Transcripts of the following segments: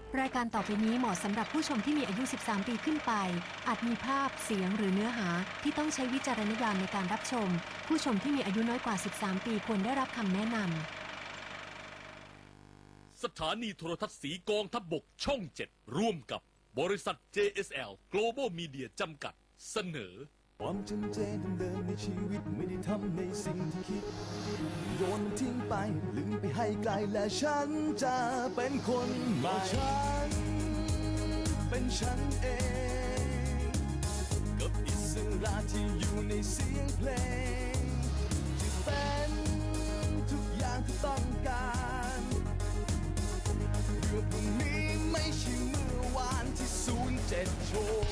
รายการต่อไปนี้เหมาะสำหรับผู้ชมที่มีอายุ 13 ปีขึ้นไปอาจมีภาพเสียงหรือเนื้อหาที่ต้องใช้วิจารณญาณในการรับชมผู้ชมที่มีอายุน้อยกว่า 13 ปีควรได้รับคำแนะนำสถานีโทรทัศน์สีกองทัพบกช่อง 7 ร่วมกับบริษัท JSL Global Media จำกัดเสนอความจำเจเดิมในชีวิตไม่ได้ทำในสิ่งที่คิดโยนมันทิ้งไปลืมไปให้ไกลและฉันจะเป็นคนใหม่ฉันเป็นฉันเองกับอิสระที่อยู่ในเสียงเพลงที่เป็นทุกอย่างที่ต้องการเมื่อพรุ่งนี้ไม่ใช่เมื่อวานที่07โชว์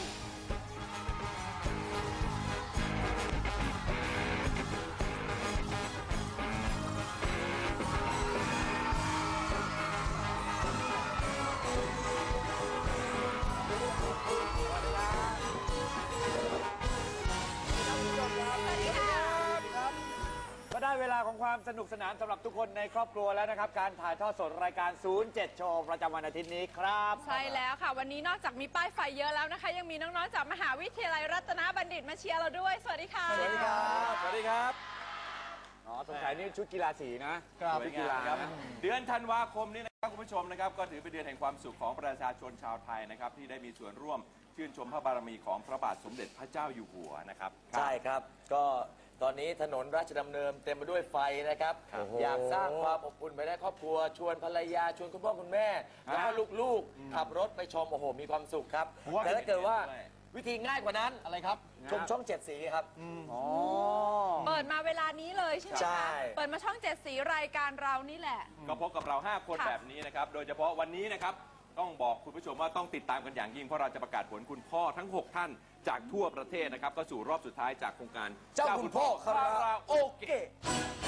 ก็ได้เวลาของความสนุกสนานสำหรับทุกคนในครอบครัวแล้วนะครับการถ่ายทอดสดรายการ07โชว์ประจำวันอาทิตย์นี้ครับใช่แล้วค่ะวันนี้นอกจากมีป้ายไฟเยอะแล้วนะคะยังมีน้องๆจากมหาวิทยาลัยรัตนบัณฑิตมาเชียร์เราด้วยสวัสดีค่ะสวัสดีครับสวัสดีครับอ๋อสงสัยนี่ชุดกีฬาสีนะครับชุดกีฬาครับเดือนธันวาคมนี้นะครับคุณผู้ชมนะครับก็ถือเป็นเดือนแห่งความสุขของประชาชนชาวไทยนะครับที่ได้มีส่วนร่วมชื่นชมพระบารมีของพระบาทสมเด็จพระเจ้าอยู่หัวนะครับใช่ครับก็ตอนนี้ถนนราชดำเนินเต็มไปด้วยไฟนะครับอยากสร้างความอบอุ่นไปในครอบครัวชวนภรรยาชวนคุณพ่อคุณแม่แล้วก็ลูกๆขับรถไปชมโอ้โหมีความสุขครับแต่ถ้าเกิดว่าวิธีง่ายกว่านั้นอะไรครับชมช่อง7สีครับเปิดมาเวลานี้เลยใช่ไหมใช่คะเปิดมาช่อง7สีรายการเรานี่แหละก็พบกับเรา5คนแบบนี้นะครับโดยเฉพาะวันนี้นะครับต้องบอกคุณผู้ชมว่าต้องติดตามกันอย่างยิ่งเพราะเราจะประกาศผลคุณพ่อทั้ง6ท่านจากทั่วประเทศนะครับก็สู่รอบสุดท้ายจากโครงการเจ้าคุณพ่อคาราโอเกะ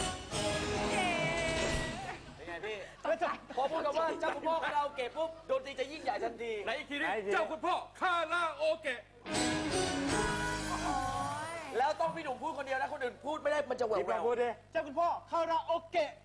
เป็นไงพี่พอพูดคำว่าเจ้าคุณพ่อคาราโอเกะปุ๊บดนตรีจะยิ่งใหญ่ทันทีในอีกทีนี้เจ้าคุณพ่อคาราโอเกะแล้วต้องพี่หนุ่มพูดคนเดียวนะคนอื่นพูดไม่ได้มันจะแหววพูดดิเจ้าคุณพ่อคาราโอเกะ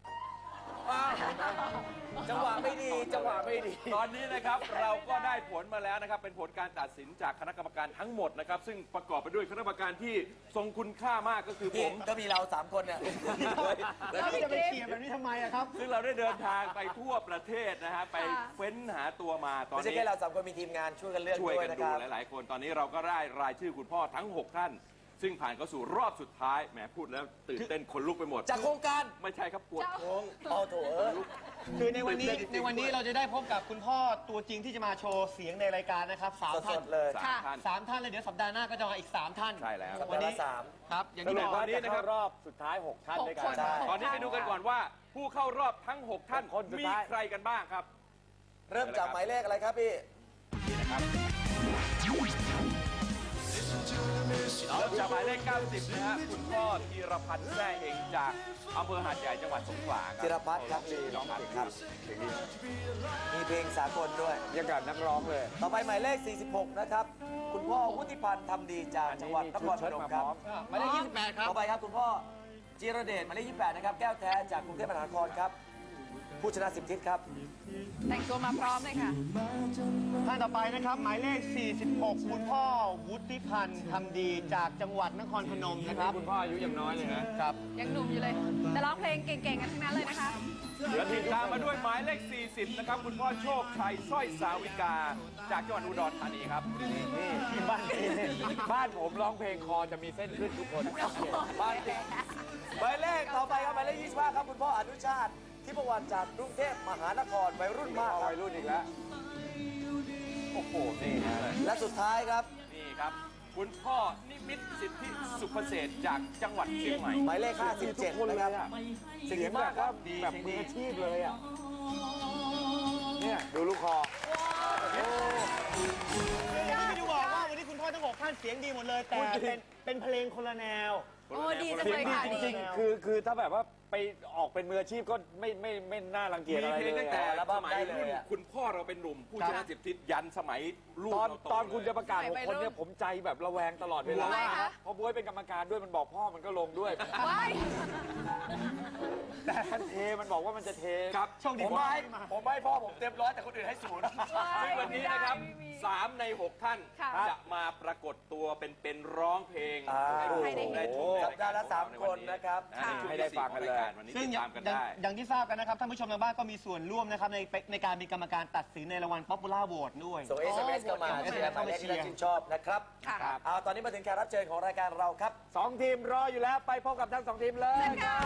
จังหวะไม่ดีจังหวะไม่ดีตอนนี้นะครับเราก็ได้ผลมาแล้วนะครับเป็นผลการตัดสินจากคณะกรรมการทั้งหมดนะครับซึ่งประกอบไปด้วยคณะกรรมการที่ทรงคุณค่ามากก็คือผมก็มีเรา3คนเนี่ยแล้วจะไปเชียร์แบบนี้ทำไมครับซึ่งเราได้เดินทางไปทั่วประเทศนะฮะไปเฟ้นหาตัวมาตอนนี้ไม่ใช่แค่เรา3คนมีทีมงานช่วยกันเลือกด้วยนะครับหลายๆคนตอนนี้เราก็ได้รายชื่อคุณพ่อทั้ง6ท่านซึ่งผ่านเข้าสู่รอบสุดท้ายแหมพูดแล้วตื่นเต้นคนลุกไปหมดจากโครงการไม่ใช่ครับปวดท้องโถคือในวันนี้เราจะได้พบกับคุณพ่อตัวจริงที่จะมาโชว์เสียงในรายการนะครับ3 ท่านเลย 3 ท่านเลยเดี๋ยวสัปดาห์หน้าก็จะมาอีก3 ท่านใช่แล้ววันนี้ครับอย่างที่บอกตอนนี้นะครับรอบสุดท้าย6 ท่านด้วยกันตอนนี้ไปดูกันก่อนว่าผู้เข้ารอบทั้ง6ท่านมีใครกันบ้างครับเริ่มจากหมายเลขอะไรครับพี่นี่นะครับเริ่มจากหมายเลข90นะฮะคุณพ่อธีรพันธ์แซ่เองจากอำเภอหาดใหญ่จังหวัดสงขลาครับธีรพัฒน์ครับน้องเก่งครับมีเพลงสากลด้วยยังกับนักร้องเลยต่อไปหมายเลข46นะครับคุณพ่อวุฒิพันธ์ทำดีจากจังหวัดนครพนมครับหมายเลข28ครับต่อไปครับคุณพ่อจิรเดชหมายเลข28นะครับแก้วแท้จากกรุงเทพมหานครครับผู้ชนะ10ทิศครับแต่งตัวมาพร้อมเลยค่ะท่านต่อไปนะครับหมายเลข46คุณพ่อวุฒิพันธ์ทำดีจากจังหวัดนครพนมนะครับคุณพ่ออายุยังน้อยเลยนะครับยังหนุ่มอยู่เลยแต่ร้องเพลงเก่งๆกันทั้งนั้นเลยนะคะเดี๋ยวติดตามมาด้วยหมายเลข40นะครับคุณพ่อโชคชัยสร้อยสาวิกาจากจังหวัดอุดรธานีครับนี่บ้านผมร้องเพลงคอจะมีเส้นขึ้นทุกคนบ้านจริงหมายเลขต่อไปครับหมายเลข25ครับคุณพ่ออนุชาติที่ประวัติจากกรุงเทพมหานครวัยรุ่นมากวัยรุ่นอีกแล้วโอ้โหนี่และสุดท้ายครับนี่ครับคุณพ่อนิมิตสิทธิสุภเศษจากจังหวัดเชียงใหม่หมายเลข57นะครับเสียงมากครับแบบมืออาชีพเลยอ่ะเนี่ยดูลูกคอไม่ได้บอกว่าวันนี้คุณพ่อทั้ง6ท่านเสียงดีหมดเลยแต่เป็นเพลงคนละแนวโอ้ดีจังเสียเลงยดีค่ะจดีริงๆคือถ้าแบบว่าไปออกเป็นมืออาชีพก็ไม่น่ารังเกียจมีอะไรเพลงเลตั้ยงแต่อัลบั้สมมัยได้เลยรุ่นอะคุณพ่อเราเป็นหนุ่มผู้ชนะ10 ทิศยันสมัยลูกตอนเราโตตอนคุณเลยจะประกาศสมัย 6 คนเนี่ยวัยรุ่นผมใจแบบระแวงตลอดเวลาทำไมคะเพราะบ๊วยเป็นกรรมการด้วยมันบอกพ่อมันก็ลงด้วยว้ายแต่มันเทมันบอกว่ามันจะเทครับโชคดีผมให้พ่อผมเต็มร้อยแต่คนอื่นให้ศูนย์ซึ่งวันนี้นะครับไม่มี 3 ใน 6 ท่านค่ะจะมาปรากฏตัวเป็นร้องเพลงให้ผู้ชมได้ชมสัปดาห์ละ3 คนนะครับในช่วงที่4ของรายการวันนี้ซึ่งติดตามกันได้อย่างที่ทราบกันนะครับท่านผู้ชมทางบ้านก็มีส่วนร่วมนะครับในการมีกรรมการตัดสินในรางวัล Popular Vote ด้วยส่ง SMS เข้ามาเชียร์หมายเลขที่ท่านชื่นชอบนะครับค่ะเอาตอนนี้มาถึงแขกรับเชิญของรายการเราครับ 2 ทีมรออยู่แล้วไปพบกับทั้ง 2 ทีมเลยครับ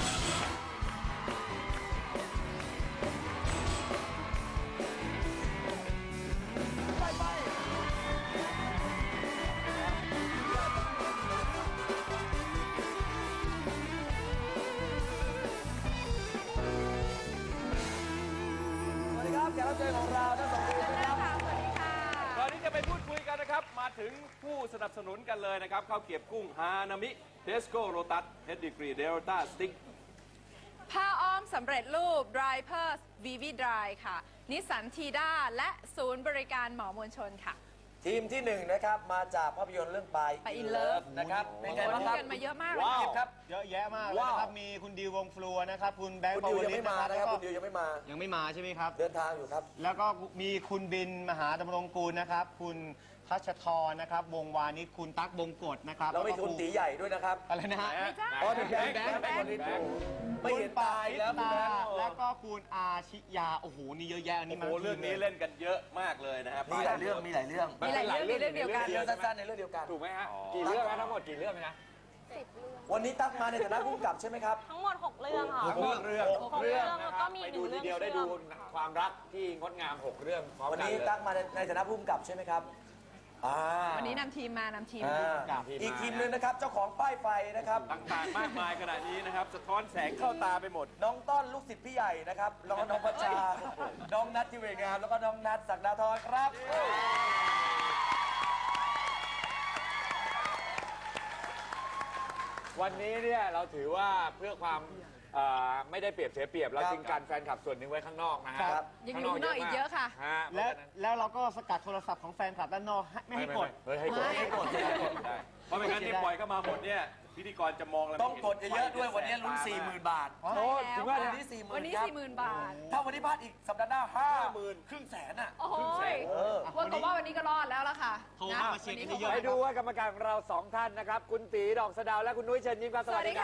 สวัสดีครับแขกรับเชิญของเราทั้งสองทีมนะครับค่ะสวัสดีค่ะก่อนที่จะไปพูดคุยกันนะครับ มาถึงผู้สนับสนุนกันเลยนะครับข้าวเกรี๊ยวกุ้งฮานามิเทสโก้โรตัสเฮดดิกรีเดลต้าสติ๊กผ้าอ้อมสำเร็จรูป Dry Pers Vivi Dry ค่ะ นิสสันทีด้าและศูนย์บริการหมอมวลชนค่ะทีมที่1นะครับมาจากภาพยนตร์เรื่องไป By in Love นะครับเป็นไงคนบ้างดูครับกันมาเยอะมากเลยว้าวค่ะครับเยอะแยะมากเลยนะครับ มีคุณดิววงฟลัวนะครับ คุณแบงค์คุณปาดิววยังลิไม่ตมานะครับนะครับแล้วก็คุณดิวยังไม่มายังไม่มาใช่ไหมครับเดินทางอยู่ครับแล้วก็มีคุณบินมหาดำรงกูลนะครับ คุณทัชทรนะครับ วงวานิชคุณตั๊กบงกฎนะครับเราไม่คุณตีใหญ่ด้วยนะครับอะไรนะฮะไม่ใช่อ๋อเป็นแบงค์แบงค์แบงค์คนนี้ไม่เห็นตายแล้วคุณแบงค์แล้วก็คุณอาชิยา โอ้โห นี่เยอะแยะอันนี้โอ้โหเรื่องนี้เล่นกันเยอะมากเลยนะครับมีหลายเรื่องมีหลายเรื่องมีหลายเรื่องมีเรื่องเดียวกันเรื่องสั้นๆในเรื่องเดียวกันถูกไหมฮะ กี่เรื่องนะทั้งหมดกี่เรื่องนะวันนี้ตั๊กมาในฐานะผู้กำกับใช่ไหมครับทั้งหมด 6 เรื่องค่ะทั้งหมดเรื่องหกเรื่องนะแล้วคก็รับมีไปหนึ่ดูงเรื่ทีองเดียวได้เชื่ดูอมความรักที่งดงาม 6 เรื่องพร้อมวันกันนี้เลยตั๊กมาในฐานะผู้กำกับใช่ไหมครับอ่าวันนี้นำทีมมานำทีมอีกทีมหนึงนะครับเจ้าของป้ายไฟนะครับต่างๆ มากมายขนาดนี้นะครับ สะท้อนแสงเข้าตาไปหมดน้องต้อนลูกศิษย์พี่ใหญ่นะครับแล้วก็น้องพัชชา น้องนัททิเวงามแล้วก็น้องนัทศักดาธรครับวันนี้เนี่ยเราถือว่าเพื่อความไม่ได้เปรียบเสียเปรียบเราจึงการแฟนคลับส่วนหนึ่งไว้ข้างนอกนะฮะครับยังอยู่ข้างนอกอีกเยอะค่ะฮะแล้วเราก็สกัดโทรศัพท์ของแฟนคลับด้านนอกไม่ให้กดเฮ้ยให้กดให้กดได้เพราะไม่งั้นนี่ปล่อยเข้ามาหมดเนี่ยพิธีกรจะมองแล้วต้องกดเยอะๆด้วยวันนี้ลุ้น 40,000 บาทโอ้ถึงว่าวันนี้ 40,000 วันนี้ครับ 40,000 บาทถ้าวันนี้พลาดอีกสัปดาห์หน้า 50,000ครึ่งแสนอ่ะโอ้โหเออว่าก็ว่าวันนี้ก็รอดแล้วล่ะค่ะโทรเข้ามาเช็คให้เยอะไปดูว่ากรรมการของเรา 2 ท่านนะครับ คุณตีดอกสะเดาวและคุณนุ้ยเชิญยิ้มครับสวัสดีค่ะ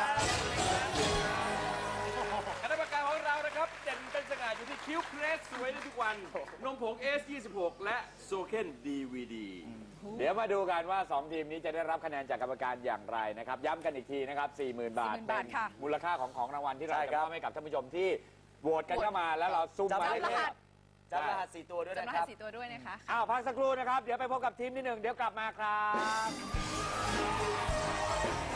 คณะกรรมการของเรานะครับเด่นเป็นสง่าอยู่ที่คิ้วเพรสสวยในทุกวัน นมผง S26 และโซเคน DVD เดี๋ยวมาดูกันว่า 2 ทีมนี้จะได้รับคะแนนจากกรรมการอย่างไรนะครับ ย้ำกันอีกทีนะครับ 40,000 บาท 40,000 บาทค่ะมูลค่าของรางวัลที่เราใช่จะครัมบอบให้กับท่านผู้ชมที่โหวตกันเข้ามาแล้วเราซุ่มหมายเลขจำรหัสจำรหัส4 ตัวด้วยจำรนะคหัรัสบ 4 ตัวด้วยนะคะอ้าวพักสักครู่นะครับ เดี๋ยวไปพบกับทีมที่ 1 เดี๋ยวกลับมาครับ